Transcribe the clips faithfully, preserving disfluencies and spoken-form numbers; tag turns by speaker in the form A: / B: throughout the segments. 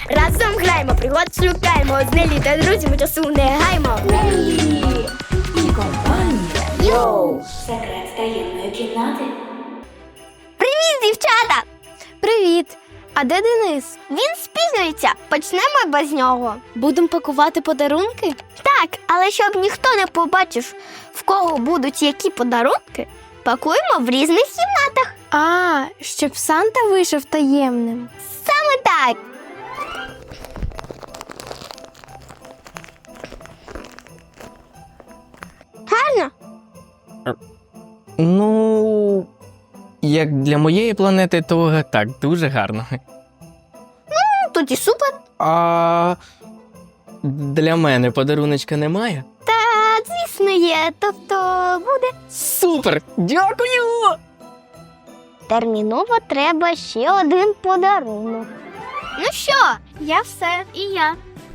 A: Разом граємо, пригод шукаємо. З Нелі та друзями часу не гаймо.
B: Нелі і компанія. Йоу! Секрет таємної кімнати.
A: Привіт, дівчата! Привіт! А де Денис? Він спізнюється. Почнемо без нього. Будемо пакувати подарунки? Так, але щоб ніхто не побачив, в кого будуть які подарунки, пакуємо в різних кімнатах.
C: А, щоб Санта вийшов таємним.
A: Саме так. Гарно?
D: Ну, як для моєї планети, то так, дуже гарно.
A: Ну, тоді супер.
D: А для мене подаруночка немає?
A: Та, звісно, є. Тобто буде.
D: Супер! Дякую!
A: Терміново треба ще один подарунок. Ну що, я все, і я.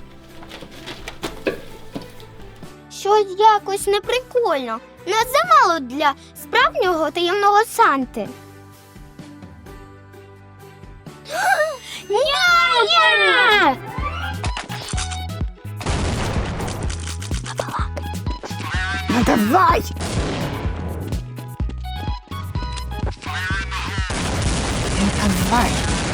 A: Щось якось неприкольно. Нас замало для справжнього таємного Санти. Ня!
E: Ну давай! Ну давай!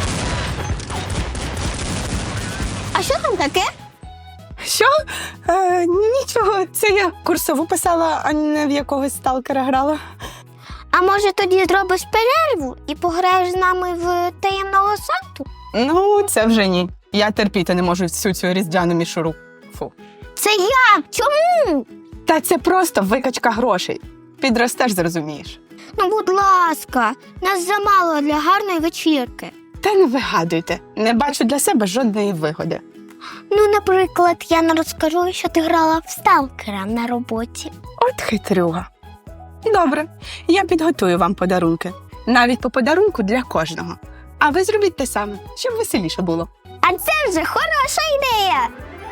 A: А що там таке?
E: Що? Е, нічого, це я курсову писала, а не в якогось сталкера грала.
A: А може тоді зробиш перерву і пограєш з нами в таємного Санту?
E: Ну, це вже ні. Я терпіти не можу всю цю різдвяну мішуру. Фу.
A: Це як? Чому?
E: Та це просто викачка грошей. Підростеш, зрозумієш.
A: Ну, будь ласка, нас замало для гарної вечірки.
E: Та не вигадуйте, не бачу для себе жодної вигоди.
A: Ну, наприклад, я не розкажу, що ти грала в сталкера на роботі.
E: От хитрюга. Добре, я підготую вам подарунки. Навіть по подарунку для кожного. А ви зробіть те саме, щоб веселіше було.
A: А це вже хороша ідея!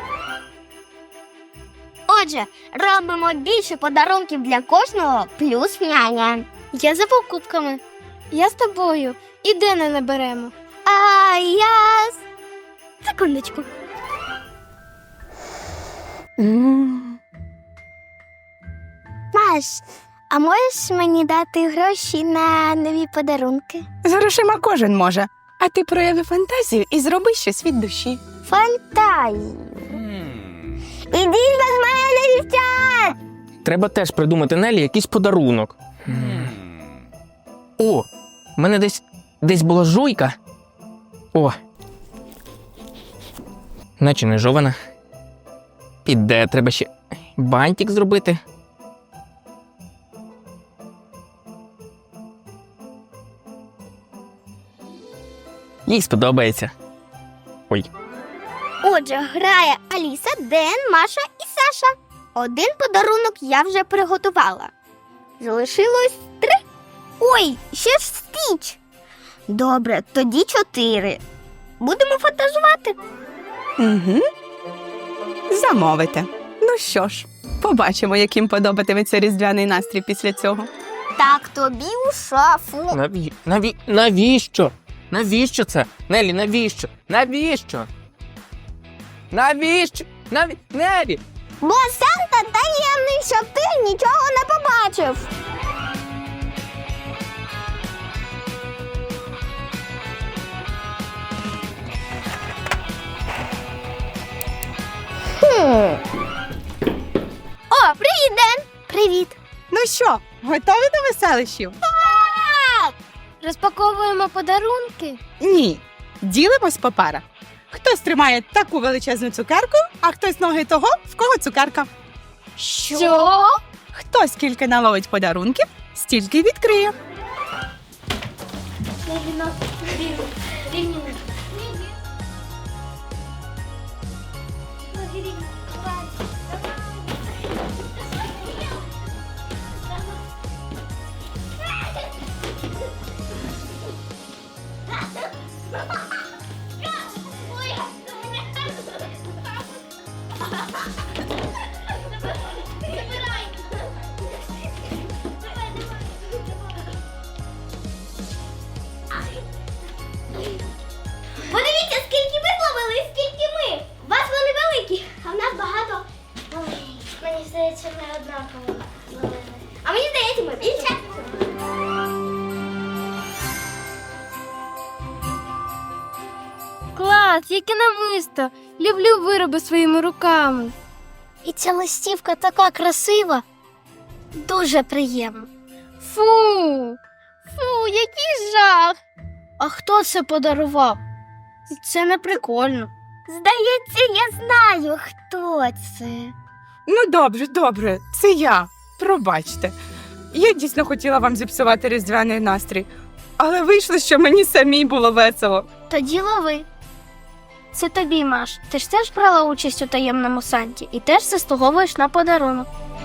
A: Отже, робимо більше подарунків для кожного, плюс няня.
C: Я за покупками. Я з тобою. І Дена не беремо.
A: А я... з- Секундочку.
E: М.
A: Маш, а можеш мені дати гроші на нові подарунки?
E: З грошима кожен може. А ти прояви фантазію і зроби щось від душі.
A: Фантазію. Ідіть без мене, дівчат!
D: Треба теж придумати Нелі якийсь подарунок. О, в мене десь, десь була жуйка. О. Наче не жована. Піде, треба ще бантик зробити. Їй сподобається. Ой.
A: Отже, грає Аліса, Ден, Маша і Саша. Один подарунок я вже приготувала. Залишилось три. Ой, ще ж Стіч. Добре, тоді чотири. Будемо фантазувати.
E: Угу. Замовите. Ну що ж, побачимо, яким подобатиметься різдвяний настрій після цього.
A: Так тобі у шафу.
D: Наві... Наві... Навіщо? Навіщо це? Нелі, навіщо? Навіщо? Навіщо? Наві... Нелі!
A: Бо Санта таємний, щоб ти нічого не побачив. Хм. О, привіт, Ден! Привіт.
E: Ну що, готові до веселищів?
C: Розпаковуємо подарунки.
E: Ні. Ділимось по парах. Хтось тримає таку величезну цукерку, а хтось ноги того, в кого цукерка.
C: Що?
E: Хто скільки наловить подарунків, стільки й відкриє.
A: Подивіться, скільки ви зловили, скільки
C: клас, яке намисто. Люблю вироби своїми руками.
A: І ця листівка така красива. Дуже приємно.
C: Фу, фу, який жах.
A: А хто це подарував?
C: Це не прикольно.
A: Здається, я знаю, хто це.
E: Ну, добре, добре, це я. Пробачте. Я дійсно хотіла вам зіпсувати різдвяний настрій, але вийшло, що мені самій було весело.
A: Тоді лови. Це тобі, Маш. Ти ж теж брала участь у таємному Санті і теж заслуговуєш на подарунок.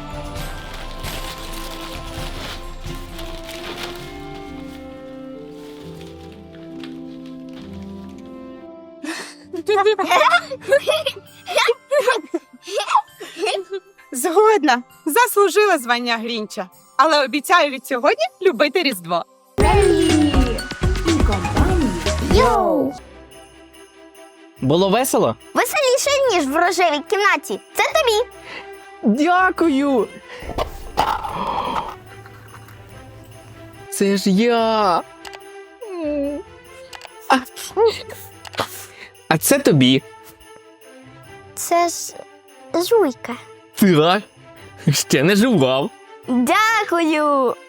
E: Згодна, заслужила звання Грінча, але обіцяю від сьогодні любити Різдво.
B: Неллі і компанія. Йоу!
D: Було весело?
A: Веселіше, ніж в рожевій кімнаті. Це тобі.
D: Дякую. Це ж я. А, а це тобі.
A: Це ж жуйка.
D: Так. Ще не жував.
A: Дякую.